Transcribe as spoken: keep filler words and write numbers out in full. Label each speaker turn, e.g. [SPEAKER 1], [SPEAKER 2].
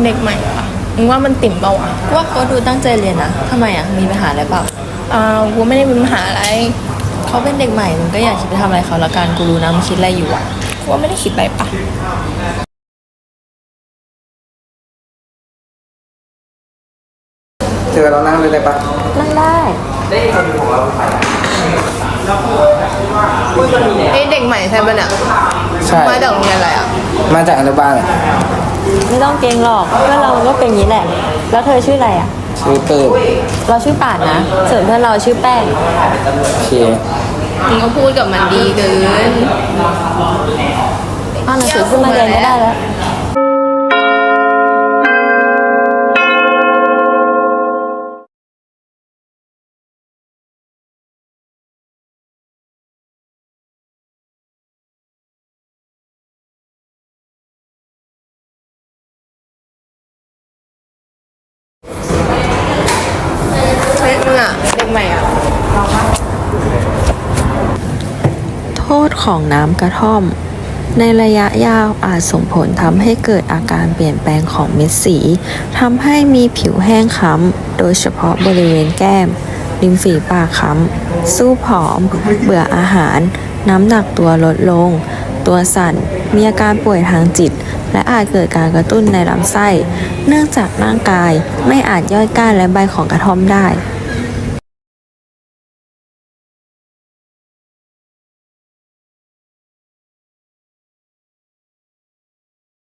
[SPEAKER 1] ด็กใหม่อะมึงว่ามันติ่มเปล่าวะ
[SPEAKER 2] ว่าเขาดูตั้งใจเรียนนะทำไมอ่ะมีปัญหาอะไรเปล่า
[SPEAKER 1] อ่ากูไม่ได้มีปัญหาอะไร
[SPEAKER 2] เขาเป็นเด็กใหม่มึงก็อยากคิดไปทำอะไรเขาละกันกูรู้นะมึงคิดอะไรอยู่อ่ะ
[SPEAKER 1] กูว่าไม่ได้คิดอะไรปะ
[SPEAKER 3] เจอเรานั่งเลยได้ปะ
[SPEAKER 2] นั่งได้
[SPEAKER 1] ไอเด็กใหม่ใช่ปะเนี่ย
[SPEAKER 3] ใช่
[SPEAKER 1] มาจากโรงเรียนอะไรอ่ะ
[SPEAKER 3] มาจากอนุบาลอะ
[SPEAKER 2] ไม่ต้องเกรงหรอกเพื่อนเราก็เป็นอย่างนี้แหละแล้วเธอชื่ออะไรอ่ะ
[SPEAKER 3] ชื่อเปิด
[SPEAKER 2] เราชื่อป่านนะส่วนเพื่อนเราชื่อแป้ง
[SPEAKER 3] โอเค
[SPEAKER 1] มึงก็พูดกับมันดีเกิน
[SPEAKER 2] เอาหนังสือขึ้นมาเรียนก็ได้แล้ว
[SPEAKER 1] เฮ้ยมึงอ่ะเด็กใหม่อ่ะ
[SPEAKER 2] โทษของน้ำกระท่อมในระยะยาวอาจส่งผลทำให้เกิดอาการเปลี่ยนแปลงของเม็ดสีทำให้มีผิวแห้งคล้ำโดยเฉพาะบริเวณแก้มริมฝีปากคล้ำสู้ผอม เบื่ออาหาร น้ำหนักตัวลดลง ตัวสั่นมีอาการป่วยทางจิต และอาจเกิดการกระตุ้นในลำไส้ เนื่องจากร่างกายไม่อาจย่อยก้านและใบของกระท่อมได้